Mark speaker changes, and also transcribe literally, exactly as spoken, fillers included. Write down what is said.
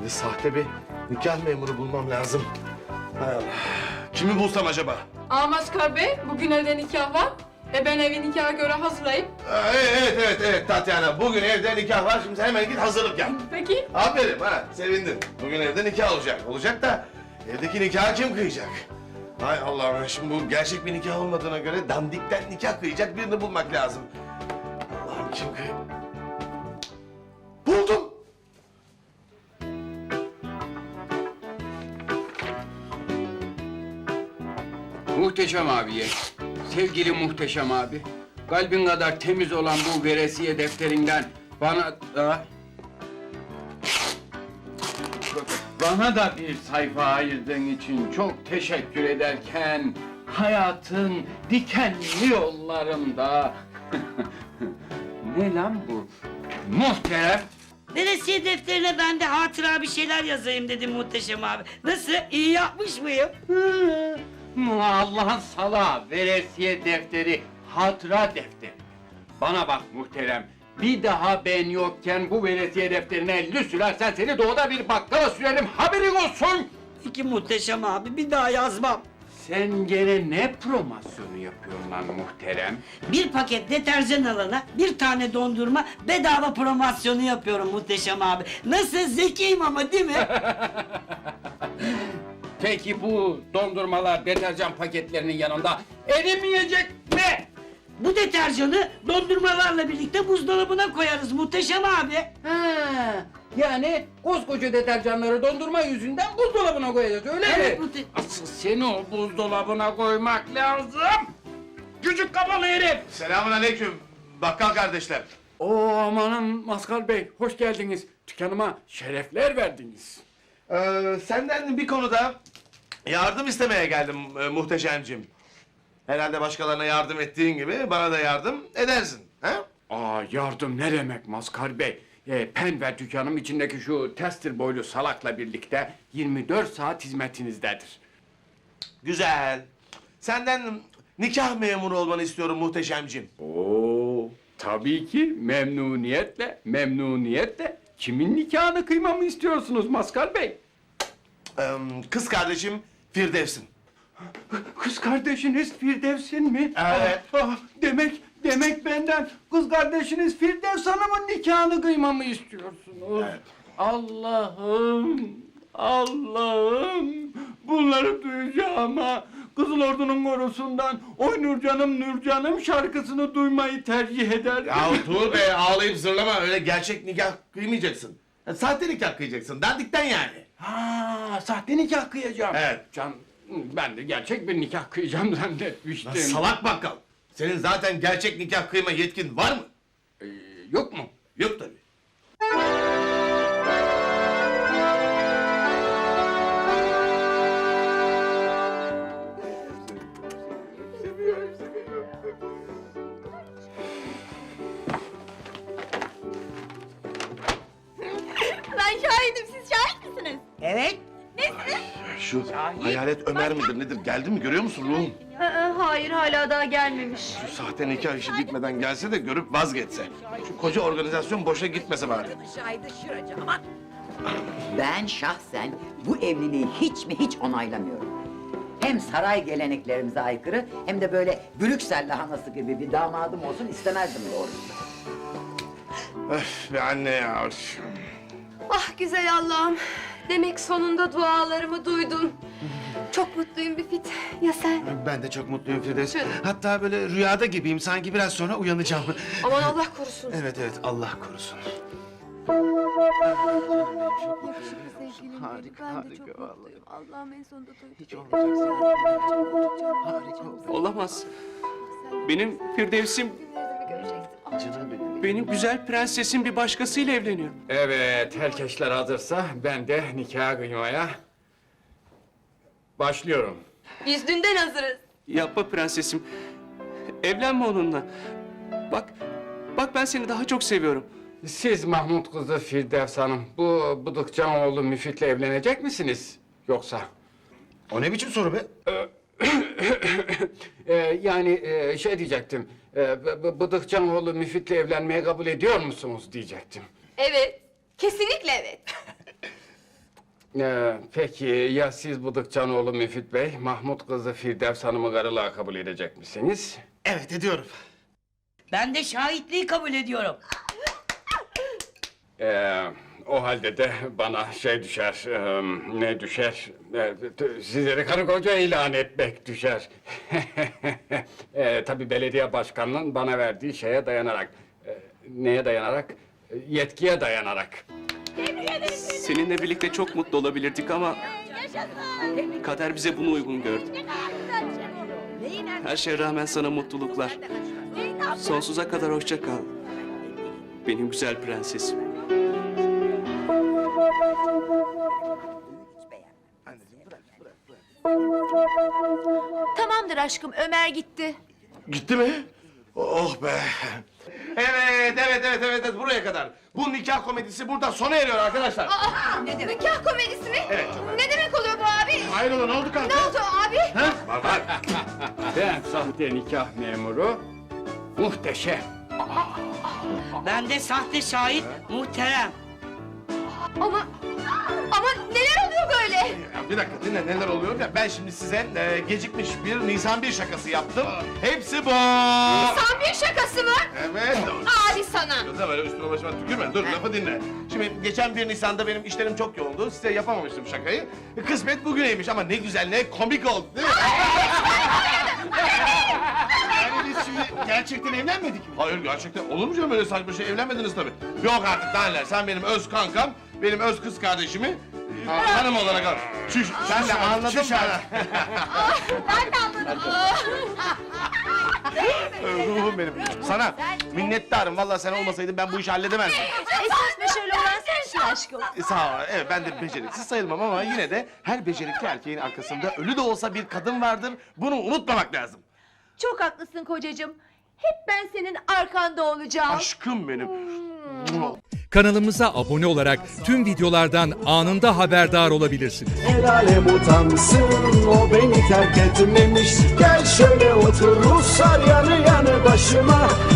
Speaker 1: sahte bir nikah memuru bulmam lazım. Hay Allah. Kimi bulsam acaba?
Speaker 2: Aa Maskar Bey, bugün evde nikah var. E ben evi nikaha göre hazırlayayım.
Speaker 1: Aa, evet, evet, evet Tatyana. Bugün evde nikah var. Şimdi hemen git hazırlık yap.
Speaker 2: Peki.
Speaker 1: Aferin ha, sevindim. Bugün evde nikah olacak. Olacak da evdeki nikahı kim kıyacak? Hay Allah'ım, şimdi bu gerçek bir nikah olmadığına göre dandikten nikah kıyacak birini bulmak lazım. Allah'ım kim kıy... Buldum!
Speaker 3: Muhteşem abiye, sevgili Muhteşem abi, kalbin kadar temiz olan bu veresiye defterinden bana da... Bana da bir sayfa ayırdığın için çok teşekkür ederken... Hayatın dikenli yollarında... Ne lan bu? Muhterem!
Speaker 4: Veresiye defterine ben de hatıra bir şeyler yazayım dedim Muhteşem abi. Nasıl? İyi yapmış mıyım?
Speaker 3: Hı, Allah'ın salağı, veresiye defteri, hatıra defteri. Bana bak muhterem, bir daha ben yokken bu veresiye defterine elli sürersen seni doğuda bir bakkala sürerim, haberin olsun!
Speaker 4: Peki Muhteşem abi, bir daha yazmam.
Speaker 3: Sen gene ne promosyonu yapıyorsun lan muhterem?
Speaker 4: Bir paket deterjan alana bir tane dondurma bedava promosyonu yapıyorum Muhteşem abi. Nasıl? Zekiyim ama değil mi?
Speaker 3: Peki bu dondurmalar deterjan paketlerinin yanında erimeyecek mi?
Speaker 4: Bu deterjanı dondurmalarla birlikte buzdolabına koyarız Muhteşem abi.
Speaker 3: Ha, yani koskoca deterjanları dondurma yüzünden buzdolabına koyacağız öyle
Speaker 4: Evet,
Speaker 3: mi?
Speaker 4: bu de-
Speaker 3: Asıl seni o buzdolabına koymak lazım. Küçük kafalı herif.
Speaker 1: Selamun aleyküm bakkal kardeşler.
Speaker 3: Oo amanın Maskal Bey, hoş geldiniz. Dükkanıma şerefler verdiniz.
Speaker 1: Ee, senden bir konuda yardım istemeye geldim e, muhteşemcim. Herhalde başkalarına yardım ettiğin gibi bana da yardım edersin. He?
Speaker 3: Aa yardım ne demek Maskal Bey? Ee, Penver dükkanım içindeki şu tester boylu salakla birlikte yirmi dört saat hizmetinizdedir.
Speaker 1: Güzel. Senden nikah memuru olmanı istiyorum muhteşemcim.
Speaker 3: Oo tabii ki memnuniyetle, memnuniyetle. Kimin nikahını kıymamı istiyorsunuz Maskal Bey?
Speaker 1: Ee, kız kardeşim Firdevs'in.
Speaker 3: Kız kardeşiniz Firdevs'in mi?
Speaker 1: Evet.
Speaker 3: Ah, ah, demek, demek benden kız kardeşiniz Firdevs Hanım'ın nikahını kıymamı istiyorsunuz.
Speaker 1: Evet.
Speaker 3: Allah'ım, Allah'ım. Bunları duyacağıma Kızıl Ordu'nun korusundan Oy Nurcanım Nurcanım şarkısını duymayı tercih ederdim.
Speaker 1: Ya Tuğ Bey ağlayıp zırlama, öyle gerçek nikah kıymayacaksın. Ya, sahte nikah kıyacaksın, dandikten yani.
Speaker 3: Ha, sahte nikah kıyacağım.
Speaker 1: Evet.
Speaker 3: Can, ben de gerçek bir nikah kıyacağım zannetmiştim.
Speaker 1: Lan salak bakkal. Senin zaten gerçek nikah kıyma yetkin var mı?
Speaker 3: Ee, yok mu?
Speaker 1: Yok tabii.
Speaker 5: Ben şahidim, siz şahit misiniz?
Speaker 4: Evet.
Speaker 1: Şu hayalet Ömer midir nedir? Geldi mi, görüyor musun ruhum?
Speaker 5: Aa, hayır, hala daha gelmemiş.
Speaker 1: Şu sahte nikah işi bitmeden gelse de görüp vazgeçse. Şu koca organizasyon boşa gitmese bari.
Speaker 6: Ben şahsen bu evliliği hiç mi hiç onaylamıyorum. Hem saray geleneklerimize aykırı hem de böyle Brüksel lahanası gibi bir damadım olsun istemezdim doğrusu.
Speaker 1: Öf be anne ya.
Speaker 5: Ah güzel Allah'ım. Demek sonunda dualarımı duydun. Çok mutluyum Büfit. Ya sen?
Speaker 7: Ben de çok mutluyum Firdevs.
Speaker 5: Canım.
Speaker 7: Hatta böyle rüyada gibiyim. Sanki biraz sonra uyanacağım.
Speaker 5: Aman Allah korusun.
Speaker 7: Evet evet Allah korusun.
Speaker 5: Yakışıklı sevgilim
Speaker 7: Harika,
Speaker 5: benim. Ben de
Speaker 7: harika
Speaker 5: çok
Speaker 7: vallahi.
Speaker 5: mutluyum. Allah'ım en sonunda doydu.
Speaker 7: Hiç olmayacak.
Speaker 5: Harika
Speaker 7: oldu.
Speaker 8: Olamaz. Benim Firdevs'im,
Speaker 7: Canım benim.
Speaker 8: benim güzel prensesim bir başkasıyla evleniyor.
Speaker 3: Evet, herkesler hazırsa ben de nikah kıymaya başlıyorum.
Speaker 5: Biz dünden hazırız.
Speaker 8: Yapma prensesim. Evlenme onunla. Bak, bak ben seni daha çok seviyorum.
Speaker 3: Siz Mahmut kızı Firdevs Hanım, bu Bıdıkcanoğlu Müfit'le evlenecek misiniz yoksa?
Speaker 7: O ne biçim soru be?
Speaker 3: Ee, yani e, şey diyecektim, e, B- B- Bıdıkcanoğlu Müfit'le evlenmeye kabul ediyor musunuz diyecektim.
Speaker 5: Evet. Kesinlikle evet.
Speaker 3: Ee, peki ya siz Bıdıkçanoğlu Müfit Bey, Mahmut kızı Firdevs Hanım'ı karılığa kabul edecek misiniz?
Speaker 7: Evet ediyorum.
Speaker 4: Ben de şahitliği kabul ediyorum.
Speaker 3: Ee, o halde de bana şey düşer, e, ne düşer? Ee, t- sizleri karı koca ilan etmek düşer. ee, tabii belediye başkanının bana verdiği şeye dayanarak. Ee, neye dayanarak? Ee, Yetkiye dayanarak.
Speaker 8: Seninle birlikte çok mutlu olabilirdik ama kader bize bunu uygun gördü. Her şeye rağmen sana mutluluklar. Sonsuza kadar hoşça kal. Benim güzel prensesim.
Speaker 5: Tamamdır aşkım, Ömer gitti.
Speaker 1: Gitti mi? Oh be. Evet, evet, evet, evet, evet, buraya kadar. Bu nikah komedisi burada sona eriyor arkadaşlar.
Speaker 5: Aa, ne demek nikah komedisi mi?
Speaker 1: Evet, çok
Speaker 5: Ne demek oluyor bu abi?
Speaker 1: Hayrola, ne oldu kanka?
Speaker 5: Ne oldu abi?
Speaker 1: Var var.
Speaker 3: Ben sahte nikah memuru, muhteşem.
Speaker 4: Ben de sahte şahit muhterem.
Speaker 5: Ama, ama neler oluyor böyle?
Speaker 1: Ya bir dakika dinle neler oluyor ya. Ben şimdi size e, gecikmiş bir Nisan bir şakası yaptım. Hepsi bu.
Speaker 5: Tam bir şakası mı?
Speaker 1: Evet.
Speaker 5: Abi sana.
Speaker 1: Kızım öyle üstüme başıma tükürme. Dur lafı dinle. Şimdi geçen bir Nisan'da benim işlerim çok yoğundu. Size yapamamıştım şakayı. Kısmet bugüneymiş ama ne güzel ne komik oldu değil mi?
Speaker 7: Yani biz şimdi gerçekten evlenmedik mi?
Speaker 1: Hayır gerçekten olur mu canım öyle saçma şey evlenmediniz tabii. Yok artık daha neler sen benim öz kankam, benim öz kız kardeşimi e, hanım olarak al. Şuş, sen de anladın mı?
Speaker 5: Ben de anladım.
Speaker 1: Ruhum benim. Sana minnettarım. Vallahi sen olmasaydın ben bu işi halledemezdim.
Speaker 5: Esas meşale olan sensin aşkım.
Speaker 1: E, sağ ol. Evet ben de beceriksiz sayılmam ama yine de her becerikli erkeğin arkasında ölü de olsa bir kadın vardır. Bunu unutmamak lazım.
Speaker 5: Çok haklısın kocacığım. Hep ben senin arkanda olacağım.
Speaker 1: Aşkım benim.
Speaker 9: Kanalımıza abone olarak tüm videolardan anında haberdar olabilirsiniz.
Speaker 10: El alem utansın, o beni terk etmemiş. Gel şöyle otur Ruslar yanı yanı başıma.